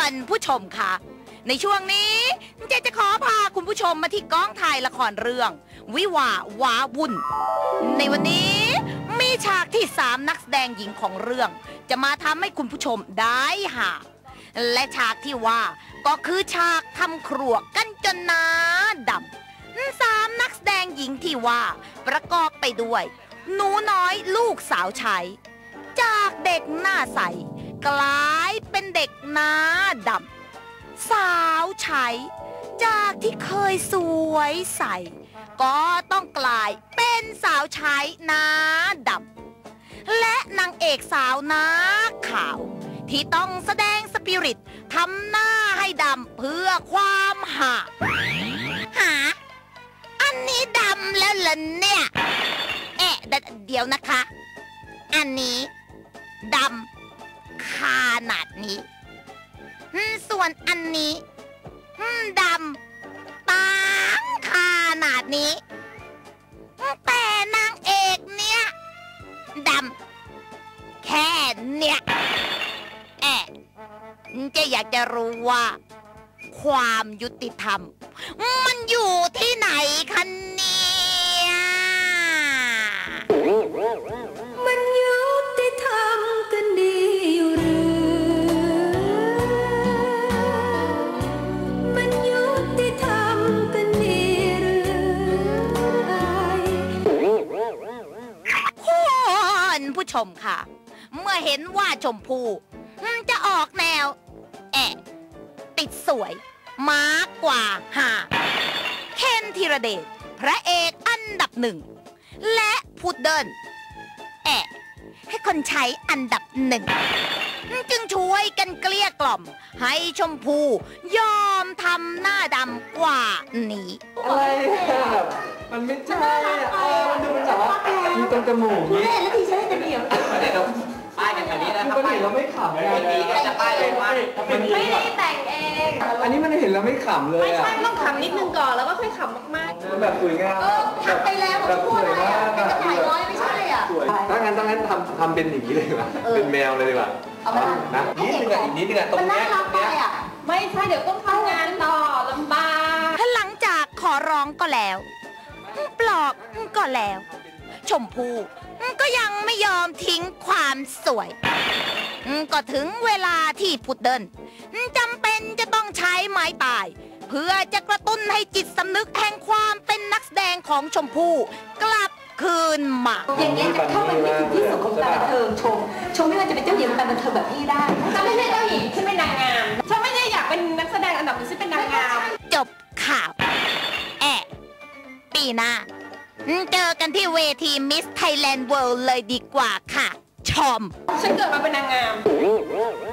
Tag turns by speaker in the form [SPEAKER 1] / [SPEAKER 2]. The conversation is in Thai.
[SPEAKER 1] คุณผู้ชมค่ะในช่วงนี้เจ๊จะขอพาคุณผู้ชมมาที่กองถ่ายละครเรื่องวิวาว้าวุ่นในวันนี้มีฉากที่3นักแสดงหญิงของเรื่องจะมาทำให้คุณผู้ชมได้หาและฉากที่ว่าก็คือฉากทำครัวกันจนหน้าดำ3นักแสดงหญิงที่ว่าประกอบไปด้วยหนูน้อยลูกสาวใช้จากเด็กหน้าใสกลายเป็นเด็กหน้าดำสาวใช้จากที่เคยสวยใสก็ต้องกลายเป็นสาวใช้หน้าดำและนางเอกสาวหน้าขาวที่ต้องแสดงสปิริตทำหน้าให้ดำเพื่อความหาอันนี้ดำแล้วเหรอเนี่ยเดี๋ยวนะคะอันนี้ดำขนาดนี้ส่วนอันนี้ดำปังขนาดนี้แต่นางเอกเนี่ยดำแค่เนี่ยจะอยากจะรู้ว่าความยุติธรรมมันอยู่ที่ไหนคะเนี่ย
[SPEAKER 2] มันยุติธรรมกันดีอยู่หรือมันยุติธรรมกันดีหรือ
[SPEAKER 1] คุณผู้ชมค่ะเมื่อเห็นว่าชมพู่จะออกแนวติดสวยมากกว่าเคนธีรเดชพระเอกอันดับ1และพุดเดิ้ลให้คนใช้อันดับ1จึงช่วยกันเกลี้ยกล่อมให้ชมพู่ยอมทำหน้าดำกว่านี้
[SPEAKER 3] อะไรมันไม่ใช่มันดูแบบว่ามีตรงจมูกนี้
[SPEAKER 2] แล้วทีใช้แต่เดียว
[SPEAKER 4] ป้ายกันแบบนี้นะครับ
[SPEAKER 3] ป้ายเราไม่ขำเลย
[SPEAKER 4] ดีก็จะป้ายเลยว่า
[SPEAKER 2] ไม่ได้แต่งเอง
[SPEAKER 3] อันนี้มันเห็นเราไม่ขำเลย
[SPEAKER 2] ไม่ใช่ต้องขำนิดนึงก่อนแล้วก็ค่อยขำมาก
[SPEAKER 3] ๆแบบสวยงาม
[SPEAKER 2] ทำไปแล้วแบบสวยมากเป็นกระต่ายน้อยไม่ใช่
[SPEAKER 3] สวยถ้างั้นทำเป็นอย่างนี้เลยดีกว่าเป็นแมวเลยดีกว่านะนิดนึงอีกนิดนึงตรงนี้
[SPEAKER 2] ไม่ใช่เดี๋ยวต้องทำงานต่อลำบาก
[SPEAKER 1] หลังจากขอร้องก็แล้วปลอบก็แล้วชมพู่ก็ยังไม่ยอมทิ้งความสวยก็ถึงเวลาที่พุดเดิ้ลจำเป็นจะต้องใช้ไม้ตายเพื่อจะกระตุ้นให้จิตสำนึกแห่งความเป็นนักแสดงของชมพู่กลับคืนมา
[SPEAKER 2] อย่างนี้จะเข้าไปไม่ถึงที่สุดของการบันเทิงชมไม่ว่าจะเป็นเจ้าหญิงการบันเทิงแบบพี่ได้ฉันไม่ใช่เจ้าหญิงฉันเป็นนางงามฉันไม่ได้อยากเป็นนักแสดงอันดับหนึ่งฉันเป็นนางงาม
[SPEAKER 1] จบข่าวปีหน้าเจอกันที่เวทีมิสไทยแลนด์เวิลด์เลยดีกว่าค่ะชม
[SPEAKER 2] ฉันเกิดมาเป็นนางงาม